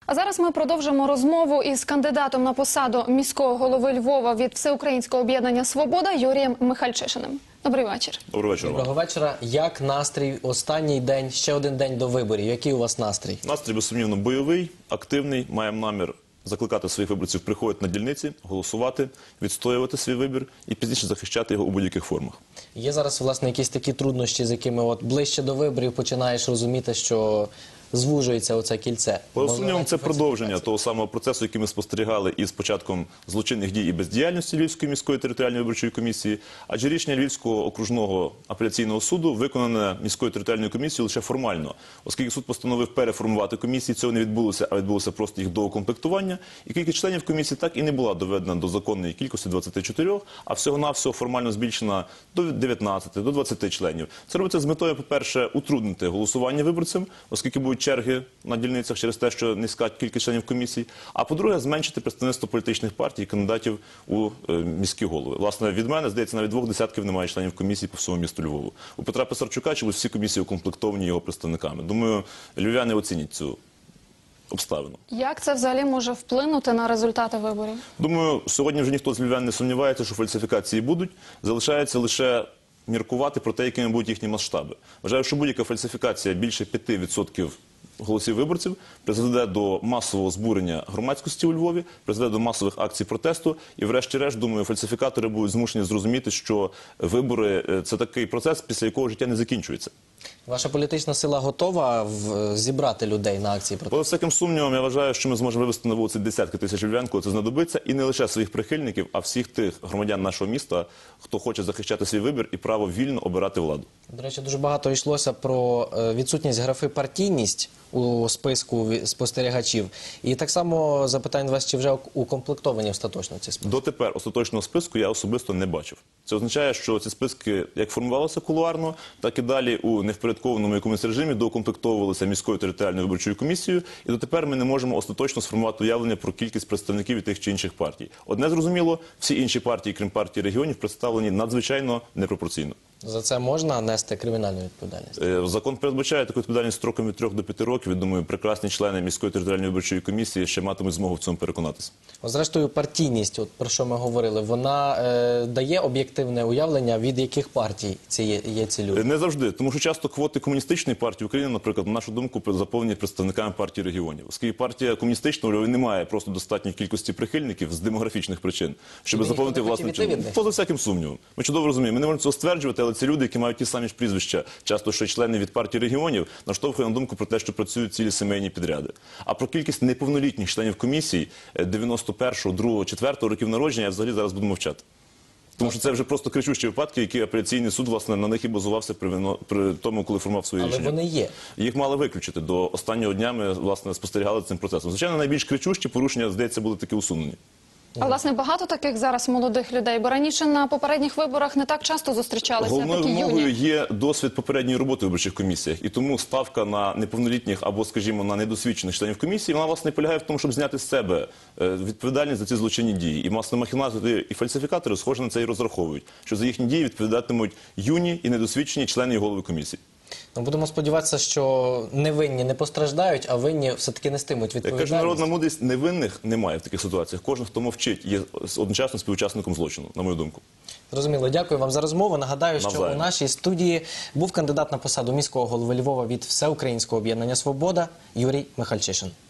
А зараз ми продовжимо розмову із кандидатом на посаду міського голови Львова від Всеукраїнського об'єднання «Свобода» Юрієм Михальчишиним. Добрий вечір. Добрий вечір. Доброго вечора. Як настрій? Останній день, ще один день до виборів. Який у вас настрій? Настрій, безсумнівно, бойовий, активний. Маємо намір закликати своїх виборців приходити на дільниці, голосувати, відстоювати свій вибір і пізніше захищати його у будь-яких формах. Є зараз, власне, якісь такі труднощі, з якими ближче до виборів починаєш розуміти, що звужується оце кільце? Поза сумнівом, це продовження того самого процесу, який ми спостерігали із початком злочинних дій і бездіяльності Львівської міської територіальної виборчої комісії, адже рішення Львівського окружного апеляційного суду виконане міською територіальною комісією лише формально, оскільки суд постановив переформувати комісії, цього не відбулося, а відбулося просто їх доукомплектування, і кількість членів комісії так і не була доведена до законної кількості 24, а всього-навсього формально збільшена до 19, до 20 членів. Це робиться з метою, по-перше, утруднити голосування виборцям, оскільки будуть черги на дільницях через те, що низька кількість членів комісії, а по-друге, зменшити представництво політичних партій і кандидатів у міські голови. Власне, від мене, здається, навіть 2 десятків немає членів комісії по всьому місту Львову. У Петра Писарчука чомусь всі комісії укомплектовані його представниками. Думаю, львів'яни оцінять цю обставину. Як це взагалі може вплинути на результати виборів? Думаю, сьогодні вже ніхто з львів'ян не сумнівається, що фальсифікації будуть. Залишається лише міркувати про те, якими будуть їхні масштаби. Вважаю, що будь-яка фальсифікація більше 5% голосів виборців призведе до масового збурення громадськості у Львові, призведе до масових акцій протесту і, врешті-решт, думаю, фальсифікатори будуть змушені зрозуміти, що вибори – це такий процес, після якого життя не закінчується. Ваша політична сила готова зібрати людей на акції протесту? Поза всяким сумнівом, я вважаю, що ми зможемо вивести на вулиці десятки тисяч львів'ян, коли це знадобиться, і не лише своїх прихильників, а всіх тих громадян нашого міста, хто хоче захищати свій вибір і право вільно обирати владу. До речі, дуже багато йшлося про відсутність графи «партійність» у списку спостерігачів. І так само запитаю вас, чи вже укомплектовані остаточно ці списки? Дотепер остаточного списку я особисто не бачив. Це означає, що ці списки як формувалися кулуарно, так і далі у невпорядкованому якомусь режимі доукомплектовувалися міською територіальною виборчою комісією, і дотепер ми не можемо остаточно сформувати уявлення про кількість представників від тих чи інших партій. Одне зрозуміло, всі інші партії, крім партії регіонів, представлені надзвичайно непропорційно. За це можна нести кримінальну відповідальність? Закон передбачає таку відповідальність строком від 3 до 5 років. Я думаю, прекрасні члени міської територіальної виборчої комісії ще матимуть змогу в цьому переконатися. Зрештою, партійність, от про що ми говорили, вона дає об'єктивне уявлення, від яких партій є ці люди? Не завжди, тому що часто квоти комуністичної партії України, наприклад, на нашу думку, заповнені представниками партії регіонів. Оскільки партія комуністична не має просто достатньої кількості прихильників з демографічних причин, щоб заповнити власне чином. Поза всяким сумнівом. Ми чудово розуміємо, ми не можемо цього стверджувати, але ці люди, які мають ті самі ж прізвища, часто ще члени від партії регіонів, наштовхує на думку про те, що працюють цілі сімейні підряди. А про кількість неповнолітніх членів комісії 91-го, 2-го, 4-го років народження я взагалі зараз буду мовчати. Тому що це вже просто кричущі випадки, які апеляційний суд, власне, на них і базувався при тому, коли формував свої рішення. Але вони є. Їх мали виключити. До останнього дня ми, власне, спостерігали цим процесом. Звичайно, найбільш кричущі порушення, здається, були таки усунені. А, власне, багато таких зараз молодих людей, бо раніше на попередніх виборах не так часто зустрічалися такі юні. Головною вимогою є досвід попередньої роботи в виборчих комісіях. І тому ставка на неповнолітніх або, скажімо, на недосвідчених членів комісії, вона, власне, полягає в тому, щоб зняти з себе відповідальність за ці злочинні дії. І, власне, махінатори і фальсифікатори схоже на це і розраховують, що за їхні дії відповідатимуть юні і недосвідчені члени і голови комісії. Ну, будемо сподіватися, що невинні не постраждають, а винні все-таки нестимуть відповідальність. Як каже народна мудрість, невинних немає в таких ситуаціях. Кожен, хто мовчить, є одночасно співучасником злочину, на мою думку. Зрозуміло. Дякую вам за розмову. Нагадаю, що у нашій студії був кандидат на посаду міського голови Львова від Всеукраїнського об'єднання «Свобода» Юрій Михальчишин.